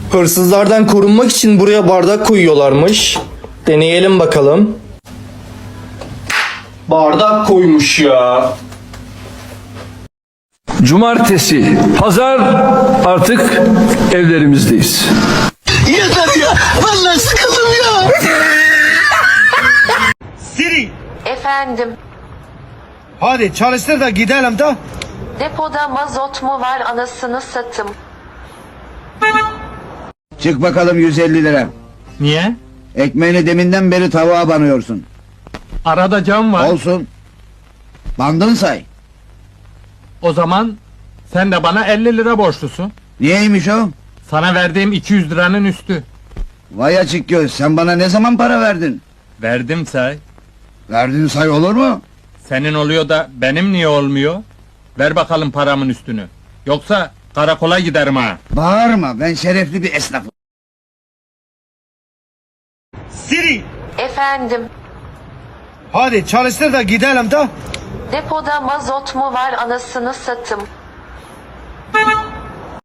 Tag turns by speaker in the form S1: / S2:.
S1: Hırsızlardan korunmak için buraya bardak koyuyorlarmış. Deneyelim bakalım. Bardak koymuş ya.
S2: Cumartesi, pazar artık evlerimizdeyiz.
S3: Yeter ya. Vallahi sıkıldım ya.
S4: Siri,
S5: Efendim,
S4: hadi çalıştır da gidelim de.
S5: depoda mazot mu var anasını satım.
S6: Çık bakalım 150 lira.
S7: Niye?
S6: Ekmeğini deminden beri tavuğa banıyorsun.
S7: Arada cam var.
S6: Olsun. Bandın say.
S7: O zaman sen de bana 50 lira borçlusun.
S6: Niyeymiş o?
S7: Sana verdiğim 200 liranın üstü.
S6: Vay açık göz, sen bana ne zaman para verdin?
S7: Verdim say.
S6: Verdin say olur mu?
S7: Senin oluyor da benim niye olmuyor? Ver bakalım paramın üstünü. Yoksa karakola giderim ha.
S6: Bağırma, ben şerefli bir esnafım.
S4: Siri,
S5: Efendim,
S4: hadi çalıştır da gidelim de.
S5: depoda mazot mu var anasını satım.